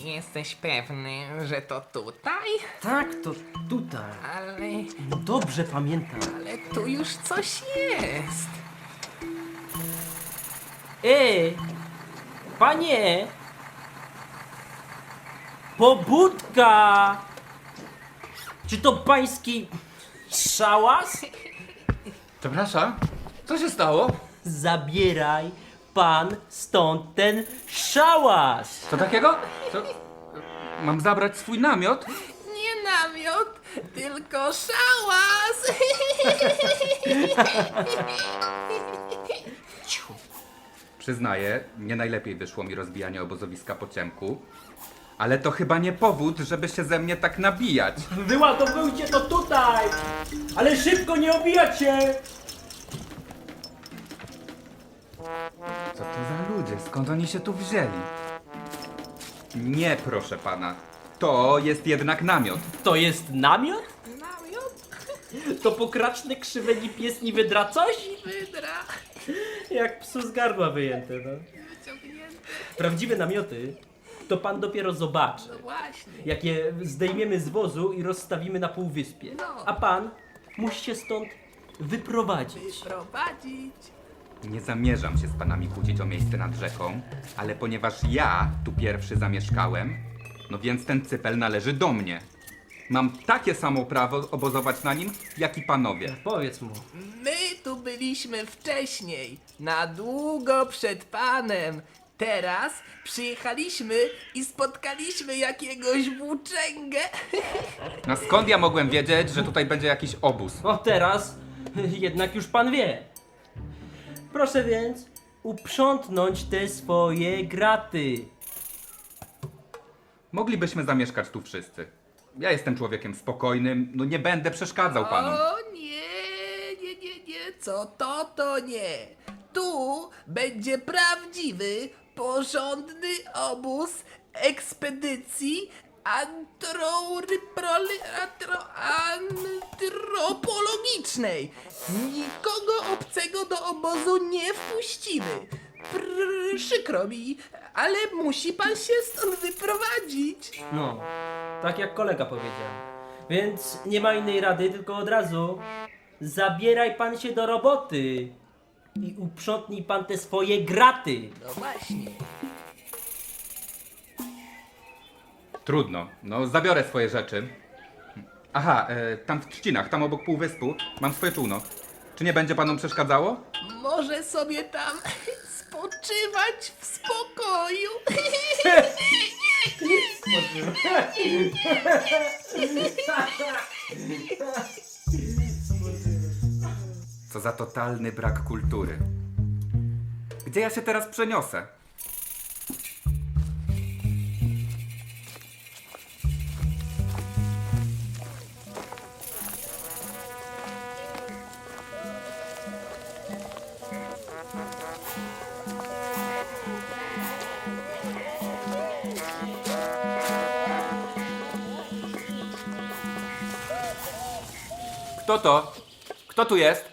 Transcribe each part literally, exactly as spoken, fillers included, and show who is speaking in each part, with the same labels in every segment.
Speaker 1: Jesteś pewny, że to tutaj?
Speaker 2: Tak, to tutaj.
Speaker 1: Ale,
Speaker 2: No dobrze pamiętam.
Speaker 1: ale tu już coś jest.
Speaker 2: Ej! Panie! Pobudka! Czy to pański szałas?
Speaker 3: Przepraszam, co się stało?
Speaker 2: Zabieraj pan stąd ten szałas!
Speaker 3: Co takiego? Co? Mam zabrać swój namiot?
Speaker 1: Nie namiot, tylko szałas.
Speaker 3: Przyznaję, nie najlepiej wyszło mi rozbijanie obozowiska po ciemku. Ale to chyba nie powód, żeby się ze mnie tak nabijać.
Speaker 2: Wyładowujcie to tutaj! Ale szybko, nie obijać się!
Speaker 3: Co to za ludzie? Skąd oni się tu wzięli? Nie, proszę pana. To jest jednak namiot.
Speaker 2: To jest namiot?
Speaker 1: Namiot
Speaker 2: To pokraczny krzyweni pies nie wydra coś?
Speaker 1: wydra.
Speaker 2: Jak psu z gardła wyjęte, no.
Speaker 1: Wyciągnięte.
Speaker 2: Prawdziwe namioty to pan dopiero zobaczy.
Speaker 1: No właśnie.
Speaker 2: Jak je zdejmiemy z wozu i rozstawimy na półwyspie.
Speaker 1: No.
Speaker 2: A pan musi się stąd wyprowadzić.
Speaker 1: Prowadzić.
Speaker 3: Nie zamierzam się z panami kłócić o miejsce nad rzeką, ale ponieważ ja tu pierwszy zamieszkałem, no więc ten cypel należy do mnie. Mam takie samo prawo obozować na nim, jak i panowie.
Speaker 2: Powiedz mu.
Speaker 1: My tu byliśmy wcześniej, na długo przed panem. Teraz przyjechaliśmy i spotkaliśmy jakiegoś włóczęgę.
Speaker 3: No skąd ja mogłem wiedzieć, że tutaj będzie jakiś obóz?
Speaker 2: O teraz jednak już pan wie. Proszę więc uprzątnąć te swoje graty.
Speaker 3: Moglibyśmy zamieszkać tu wszyscy. Ja jestem człowiekiem spokojnym, no nie będę przeszkadzał panom.
Speaker 1: O nie, nie, nie, nie, co to, to nie. Tu będzie prawdziwy, porządny obóz ekspedycji antroryproli- antro- antropologicznej. Nikogo obcego do obozu nie wpuścimy. Pr- przykro mi, ale musi pan się stąd wyprowadzić.
Speaker 2: No, tak jak kolega powiedział. Więc nie ma innej rady, tylko od razu zabieraj pan się do roboty i uprzątnij pan te swoje graty.
Speaker 1: No właśnie.
Speaker 3: Trudno, no zabiorę swoje rzeczy. Aha, e, tam w trzcinach, tam obok półwyspu, mam swoje czółno. Czy nie będzie panom przeszkadzało?
Speaker 1: Może sobie tam spoczywać w spokoju.
Speaker 3: Co za totalny brak kultury. Gdzie ja się teraz przeniosę? Kto to? Kto tu jest?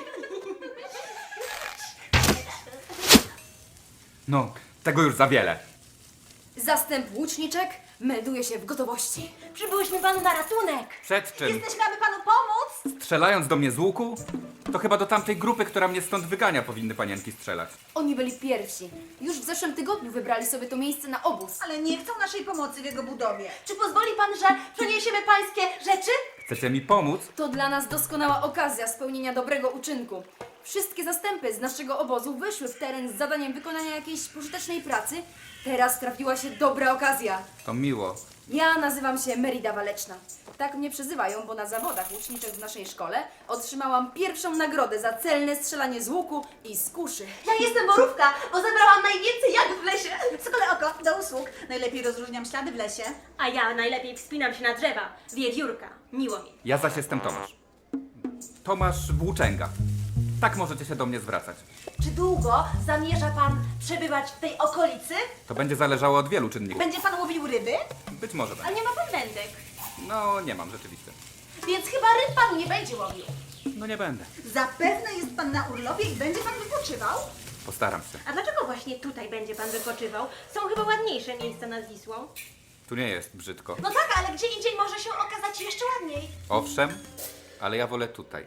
Speaker 3: No, tego już za wiele.
Speaker 4: Zastęp łuczniczek melduje się w gotowości.
Speaker 5: Przybyłyśmy panu na ratunek.
Speaker 3: Przed czym?
Speaker 5: Jesteśmy, aby panu pomóc.
Speaker 3: Strzelając do mnie z łuku? To chyba do tamtej grupy, która mnie stąd wygania, powinny panienki strzelać.
Speaker 4: Oni byli pierwsi. Już w zeszłym tygodniu wybrali sobie to miejsce na obóz.
Speaker 5: Ale nie chcą naszej pomocy w jego budowie. Czy pozwoli pan, że przeniesiemy pańskie rzeczy?
Speaker 3: Chcecie mi pomóc?
Speaker 4: To dla nas doskonała okazja spełnienia dobrego uczynku. Wszystkie zastępy z naszego obozu wyszły w teren z zadaniem wykonania jakiejś pożytecznej pracy. Teraz trafiła się dobra okazja.
Speaker 3: To miło.
Speaker 4: Ja nazywam się Merida Waleczna. Tak mnie przezywają, bo na zawodach łuczniczych w naszej szkole otrzymałam pierwszą nagrodę za celne strzelanie z łuku i z kuszy.
Speaker 5: Ja jestem Borówka, bo zebrałam najwięcej jak w lesie. Sokole oko, do usług. Najlepiej rozróżniam ślady w lesie.
Speaker 6: A ja najlepiej wspinam się na drzewa. Wiewiórka. Miło mi.
Speaker 3: Ja zaś jestem Tomasz. Tomasz Włóczęga. Tak możecie się do mnie zwracać.
Speaker 5: Czy długo zamierza pan przebywać w tej okolicy?
Speaker 3: To będzie zależało od wielu czynników.
Speaker 5: Będzie pan łowił ryby?
Speaker 3: Być może
Speaker 6: Ale
Speaker 3: będzie.
Speaker 6: nie ma pan wędek.
Speaker 3: No, nie mam rzeczywiście.
Speaker 5: Więc chyba ryb pan nie będzie łowił.
Speaker 3: No nie będę.
Speaker 5: Zapewne jest pan na urlopie i będzie pan wypoczywał?
Speaker 3: Postaram się.
Speaker 6: A dlaczego właśnie tutaj będzie pan wypoczywał? Są chyba ładniejsze miejsca nad Wisłą.
Speaker 3: Tu nie jest brzydko.
Speaker 5: No tak, ale gdzie indziej może się okazać jeszcze ładniej.
Speaker 3: Owszem, ale ja wolę tutaj.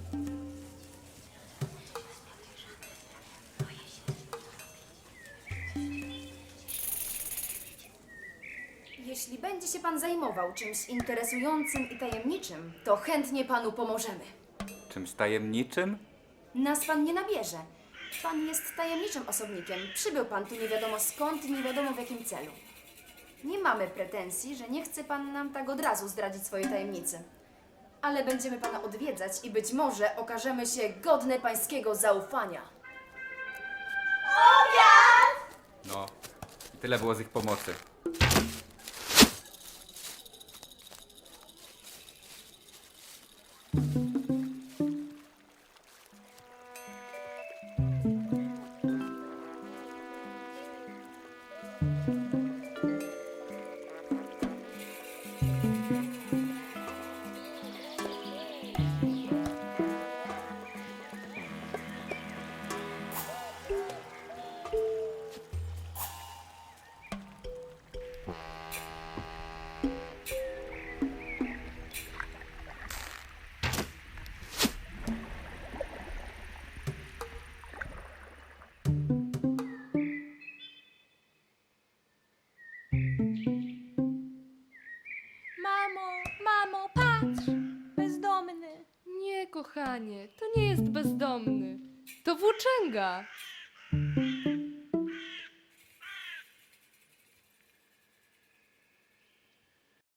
Speaker 4: Jeśli będzie się pan zajmował czymś interesującym i tajemniczym, to chętnie panu pomożemy.
Speaker 3: Czymś tajemniczym?
Speaker 4: Nas pan nie nabierze. Pan jest tajemniczym osobnikiem. Przybył pan tu nie wiadomo skąd i nie wiadomo w jakim celu. Nie mamy pretensji, że nie chce pan nam tak od razu zdradzić swojej tajemnicy. Ale będziemy pana odwiedzać i być może okażemy się godne pańskiego zaufania.
Speaker 3: No, i tyle było z ich pomocy.
Speaker 7: Mamo, mamo, patrz! Bezdomny.
Speaker 8: Nie, kochanie, to nie jest bezdomny. To włóczęga.